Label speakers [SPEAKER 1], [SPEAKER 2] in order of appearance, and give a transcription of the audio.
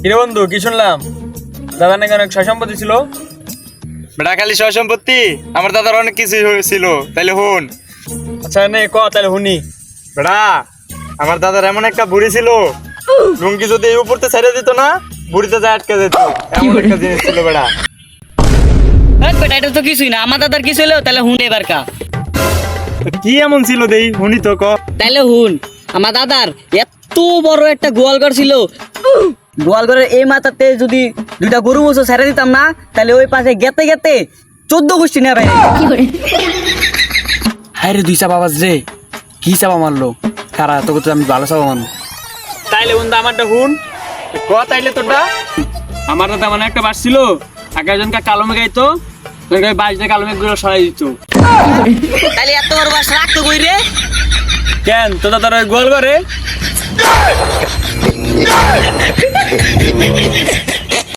[SPEAKER 1] কিরে বন্ধু, কি শুনলাম দাদা নাকি অনেক সয় সম্পত্তি ছিল?
[SPEAKER 2] বেটা খালি সয় সম্পত্তি, আমার দাদার অনেক কিছু ছিল, তাইলে হুন।
[SPEAKER 1] আচ্ছা নে ক তাহলে শুনি।
[SPEAKER 2] বেটা আমার দাদার এমন একটা বুড়ি ছিল, লুঙ্গি যদি এই উপরতে ছেড়ে দিত না, বুড়িতে যায় আটকে যেত, এমন একটা জিনিস ছিল বেটা।
[SPEAKER 3] বেটা এটা তো কিছুই না, আমার দাদার কিছু হলো তাহলে হুন এবার কা।
[SPEAKER 2] কি এমন ছিল দেই হুনি তো ক।
[SPEAKER 3] তাইলে হুন, আমার দাদার এত বড় একটা গোয়ালঘর ছিল। গোয়ালঘরের এই মাথাতে যদি দুইটা গরু বসে ছেড়ে দিতাম না, তাহলে ওই পাশে গেতে গেতে 14 গোষ্ঠী নেবে।
[SPEAKER 4] হ্যাঁ রে, দুই চাপা বাজ রে, কি চাপা মারলো কারা তোকে? তো আমি ভালো চাপা মারলো।
[SPEAKER 1] তাইলে বন্ধু আমারটা শুন।
[SPEAKER 2] ক তাইলে তোরটা।
[SPEAKER 1] আমার দাদা মানে একটা বাস ছিল, একজনকে কালো মেঘ গাইতো, বাস দিয়ে কালো মেঘগুলো সরাই দিত।
[SPEAKER 3] তাহলে এত বড় বাস রাখতো কই রে?
[SPEAKER 1] কেন তো দাদার ওই গোয়াল ঘরে